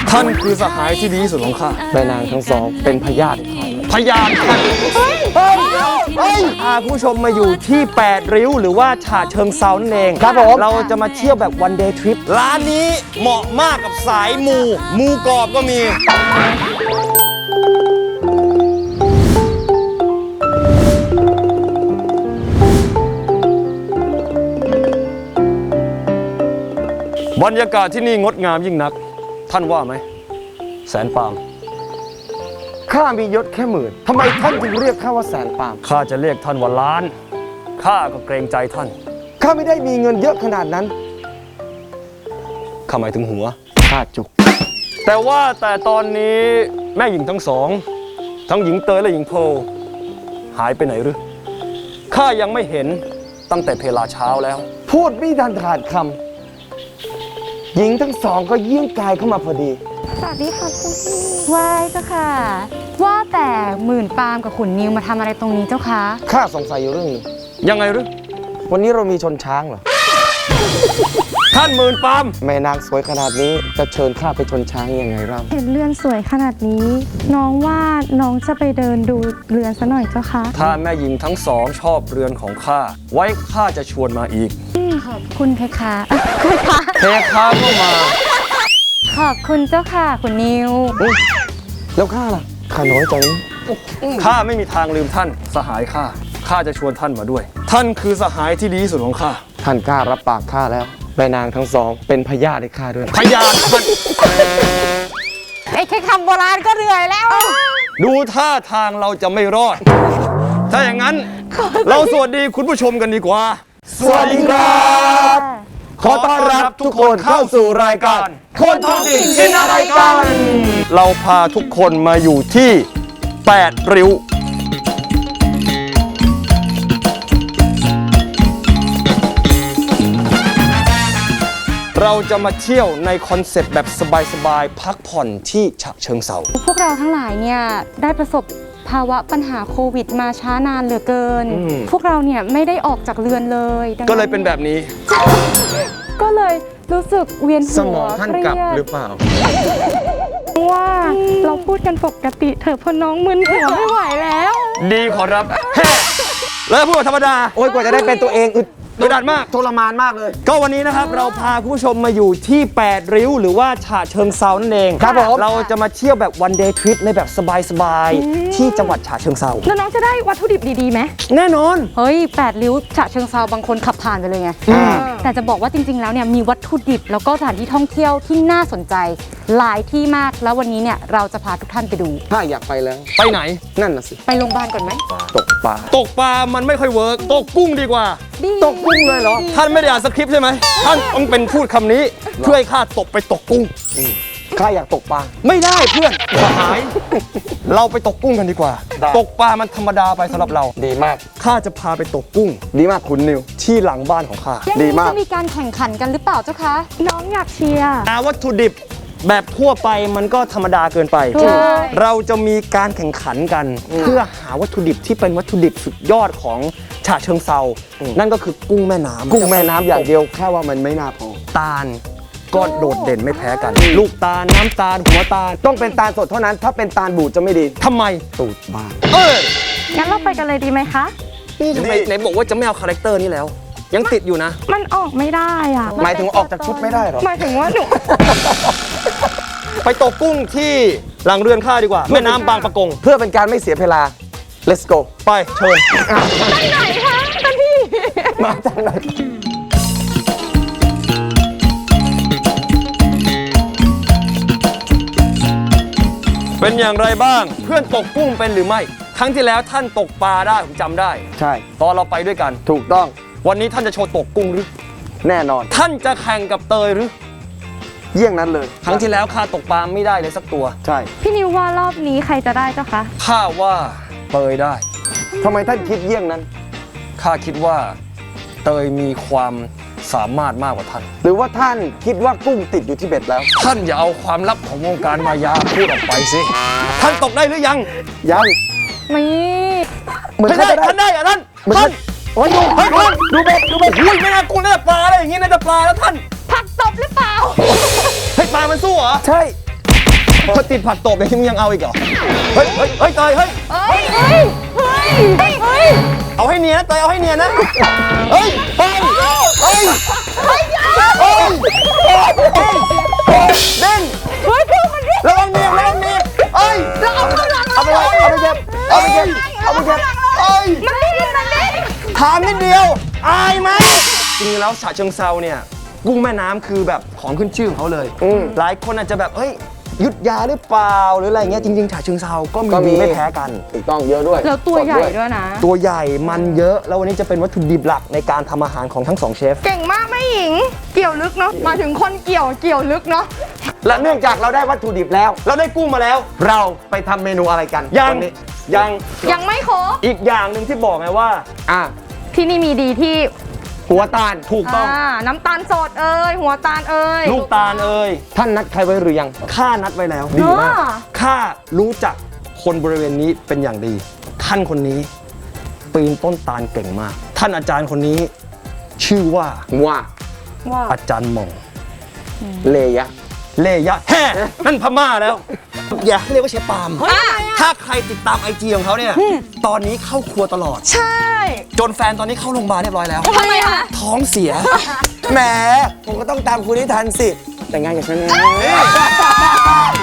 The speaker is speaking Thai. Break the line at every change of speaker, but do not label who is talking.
ท่านคือสหายที่ดีที่สุดของข้าแม่นางทั้งสองเป็นพยานพยานท่านพาผู้ชมมาอยู่ที่8ริ้วหรือว่าฉะเชิงเทรานั่นเองครับผมเราจะมาเที่ยวแบบวันเดย์ทริปร้านนี้เหมาะมากกับสายมูกรอบก็มีบรรยากาศที่นี่งดงามยิ่งนักท่านว่าไหมแสนปาล์มข้ามียศแค่หมื่นทำไมท่านจึงเรียกข้าว่าแสนปาล์มข้าจะเรียกท่านว่าล้านข้าก็เกรงใจท่านข้าไม่ได้มีเงินเยอะขนาดนั้นข้าหมายถึงหัวข้าจุกแต่ตอนนี้แม่หญิงทั้งสองทั้งหญิงเตยและหญิงโพหายไปไหนหรือข้ายังไม่เห็นตั้งแต่เพลาเช้าแล้วพูดไม่ทันขาดคำหญิงทั้งสองก็เยี่ยงกายเข้ามาพอดี
สวัสดีค่ะคุณพี่ว้ายเจ้าค่ะว่าแต่หมื่นปาล์มกับขุนนิวมาทำอะไรตรงนี้เจ้าคะ
ข้าสงสัยอยู่เรื่องนึงยังไงหรือวันนี้เรามีชนช้างเหรอ ท่านหมื่นปาล์มแม่นางสวยขนาดนี้จะเชิญข้าไปชนช้างยังไงเล่า
เห็นเรือนสวยขนาดนี้น้องว่าน้องจะไปเดินดูเรือนซะหน่อยเจ้าคะ
ถ้าแม่หญิงทั้งสองชอบเรือนของข้าไว้ข้าจะชวนมาอีก
ขอบคุณเพคะ
เพคะก็มา
ขอบคุณเจ้าค่ะคุณนิว
แล้วข้าล่ะข้าน้อยใจข้าไม่มีทางลืมท่านสหายข้าจะชวนท่านมาด้วยท่านคือสหายที่ดีที่สุดของข้าท่านกล้ารับปากข้าแล้วแม่นางทั้งสองเป็นพยานให้ข้าด้วยพยานท่าน
ไอ้แค่คำโบราณก็เหนื่อยแล้ว
ดูท่าทางเราจะไม่รอดถ้าอย่างนั้นเราสวัสดีคุณผู้ชมกันดีกว่าสวัสดีครับขอต้อนรับทุกคนเข้าสู่รายการคนท้องถิ่นกินอะไรกันเราพาทุกคนมาอยู่ที่8ริ้วเราจะมาเที่ยวในคอนเซ็ปต์แบบสบายๆพักผ่อนที่ฉะเชิงเทรา
พวกเราทั้งหลายเนี่ยได้ประสบภาวะปัญหาโควิดมาช้านานเหลือเกินพวกเราเนี่ยไม่ได้ออกจากเรือนเลย
ก็เลยเป็นแบบนี้
ก็เลยรู้สึกเวียนหัว
สมองท่านกลับหรือเปล่า
ว่าเราพูดกันปกติเถอะพอน้องมึนหัวไม่ไหวแล้ว
ดีขอรับแล้วพูดธรรมดาโอ้ยกว่าจะได้เป็นตัวเองอึดอัดมากทรมานมากเลยก็วันนี้นะครับเราพาคุณผู้ชมมาอยู่ที่8ริ้วหรือว่าฉะเชิงเทรานั่นเองครับผมเราจะมาเที่ยวแบบวันเดย์ทริปในแบบสบายๆที่จังหวัดฉะเชิงเทรา
แล้วน้องจะได้วัตถุดิบดีๆไหม
แน่นอน
เฮ้ย8ริ้วฉะเชิงเทราบางคนขับผ่านไปเลยไงแต่จะบอกว่าจริงๆแล้วเนี่ยมีวัตถุดิบแล้วก็สถานที่ท่องเที่ยวที่น่าสนใจหลายที่มากแล้ววันนี้เนี่ยเราจะพาทุกท่านไปดู
ถ้าอยากไปแล้วไปไหนนั่นน่ะสิ
ไปโรงพยาบาลก่อนไหม
ตกปลามันไม่ค่อยเวิร์กตกกุ้งดีกว่าตกกุ้งเลยเหรอท่านไม่ได้อ่านสคริปต์ใช่ไหมท่านต้องเป็นพูดคำนี้เพื่อให้ข้าตกไปตกกุ้งข้าอยากตกปลาไม่ได้เพื่อนสหายเราไปตกกุ้งกันดีกว่าตกปลามันธรรมดาไปสำหรับเราดีมากข้าจะพาไปตกกุ้งดีมากคุณนิวที่หลังบ้านของข้าดีมาก
จะมีการแข่งขันกันหรือเปล่าเจ้าคะน้องอยากเชียร์
วัตถุดิบแบบทั่วไปมันก็ธรรมดาเกินไปเราจะมีการแข่งขันกันเพื่อหาวัตถุดิบที่เป็นวัตถุดิบสุดยอดของฉะเชิงเทรานั่นก็คือกุ้งแม่น้ำอย่างเดียวแค่ว่ามันไม่น่าพอตาลก็โดดเด่นไม่แพ้กันลูกตาลน้ำตาลหัวตาลต้องเป็นตาลสดเท่านั้นถ้าเป็นตาลบูดจะไม่ดีทำไมตูดบ้า
งั้นเราไปกันเลยดีไหมคะ
นี่ทำไมไหนบอกว่าจะไม่เอาคาแรคเตอร์นี่แล้วยังติดอยู่นะ
มันออกไม่ได้อ่ะ
หมายถึงออกจากชุดไม่ได้หรอ
หมายถึงว่าหนู
ไปตกกุ้งที่หลังเรือนข้าดีกว่าแม่น้ำบางปะกงเพื่อเป็นการไม่เสียเวลา let's go ไปเชิญ
ไปไหนคะท่านพี่
มาจากไหนเป็นอย่างไรบ้างเพื่อนตกกุ้งเป็นหรือไม่ครั้งที่แล้วท่านตกปลาได้ผมจำได้ใช่ตอนเราไปด้วยกันถูกต้องวันนี้ท่านจะโชว์ตกกุ้งหรือแน่นอนท่านจะแข่งกับเตยหรือเยี่ยงนั้นเลยครั้งที่แล้วข้าตกปลาไม่ได้เลยสักตัวใช่
พี่นิวว่ารอบนี้ใครจะได้เจ้าคะ
ข้าว่าเตยได้ทำไมท่านคิดเยี่ยงนั้นข้าคิดว่าเตยมีความสามารถมากกว่าท่านหรือว่าท่านคิดว่ากุ้งติดอยู่ที่เบ็ดแล้วท่านอย่าเอาความลับของวงการมายาพูดออกไปสิท่านตกได้หรือยัง
ไม่
เหมือนท่านได้อะท่านโอ้ยดูเบ็ดอุ้ยไม่น่ากุ้งน่าจะปลาอะไรอย่างงี้น่าจะปลาแล้วท่าน
ผักตบหรือเปล่า
ให้ปลามันสู้เหรอใช่พอติดผักตบอย่างนี้มึงยังเอาอีกเหรอ เฮ้ยเฮ้ยเฮ้ยเตยเฮ้ย
เฮ้ย เฮ้ย เฮ้ย เฮ้ย
เอาให้เนียนนะเตยเอาให้เนียนนะ เฮ้ยเฮ้ยเฮ้ยเฮ้ยเฮ้ยเด้ง
เฮ้ยคือมันเรียก
ระวังเนียนระวังเนียนเฮ้ย
เราเอาข้างหลัง
เอาไปเลยเอาไปเก็บเอาไปเก็บเอาไปเก็บเฮ้ย
มันเรียกมันเรียก
ถามนิดเดียว อายไหมจริงๆแล้วฉะเชิงเซาเนี่ยกุ้งแม่น้ำคือแบบของขึ้นชื่อของเขาเลย หลายคนอาจจะแบบเฮ้ยอยุทธยาหรือเปล่าหรืออะไรเงี้ยจริงๆฉะเชิงเซาก็มีดีไม่แพ้กัน
ถูกต้องเยอะด้วย
แล้วตัวใหญ่ด้วยนะ
ตัวใหญ่มันเยอะแล้ววันนี้จะเป็นวัตถุดิบหลักในการทำอาหารของทั้งสองเชฟ
เก่งมากแม่หญิง เกี่ยวลึกเนาะ มาถึงคนเกี่ยวลึกเนาะ
และเนื่องจากเราได้วัตถุดิบแล้ว เราได้กุ้งมาแล้ว เราไปทำเมนูอะไรกัน
ยัง
วันนี้
ยัง
ยังไม่ครบ
อีกอย่างหนึ่งที่บอกไงว่า
อ่ะ
ที่นี่มีดีที่
หัวตาล
ถูกต้อง
น้ำตาลสดเอ่ยหัวตาลเอ่ย
ลูกตาลเอ่ย
ท่านนัดใครไว้หรือยัง
ข้านัดไว้แล้ว
ดีมาก
ข้ารู้จักคนบริเวณนี้เป็นอย่างดี ท่านคนนี้ปีนต้นตาลเก่งมาก ท่านอาจารย์คนนี้ชื่อว่า
ว่า
ว่า
อาจารย์หม่อง
เลยะ
เลยะแฮ่นั่นพม่าแล้ว อย่าให้เรียกว่าเชฟปาล์มถ้าใครติดตามไอจีของเขาเนี่ย ตอนนี้เข้าครัวตลอด
ใช่
จนแฟนตอนนี้เข้าโรงพยาบาลเรียบร้อยแล้ว
ทำไมคะ
ท้องเสีย
แหมผมก็ต้องตามคุณให้ทันสิ แต่งงานกับฉันนะ